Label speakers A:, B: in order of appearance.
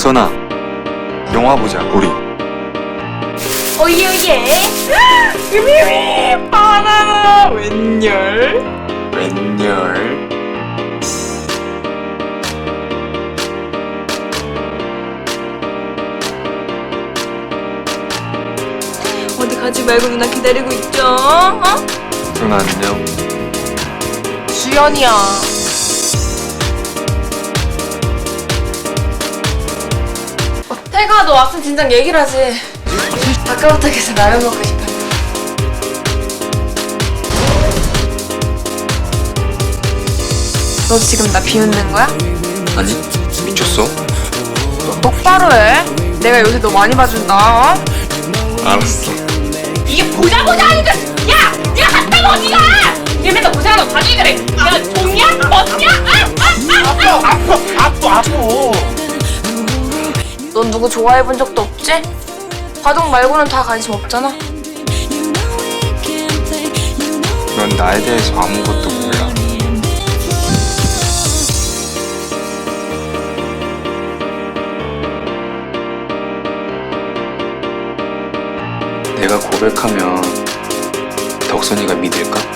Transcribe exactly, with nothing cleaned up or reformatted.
A: 덕선아, 영화 보자, 우리.
B: 오예 오예. 으미미 바나나 웬열.
A: 웬열.
B: 어디 가지 말고 누나 기다리고 있죠? 어?
A: 누나 안녕.
B: 주연이야. 어, 태가 너 왔으면 진작 얘기를 하지. 아까부터 계속 라면 먹고 싶어. 너 지금 나 비웃는 거야?
A: 아니, 미쳤어?
B: 너 똑바로 해. 내가 요새 너 많이 봐준다. 어?
A: 알았어.
B: 이게 보자 보자 하니까 야! 야 갔다 어디가! 얘 맨날 고생하는 거 봐주기 그래. 야 좋냐? 멋냐?
C: 아파 아파 아파 아파.
B: 넌 누구 좋아해본 적도 없지? 바둑 말고는 다 관심 없잖아.
A: 넌 나에 대해서 아무것도 몰라. 내가 고백하면 덕선이가 믿을까?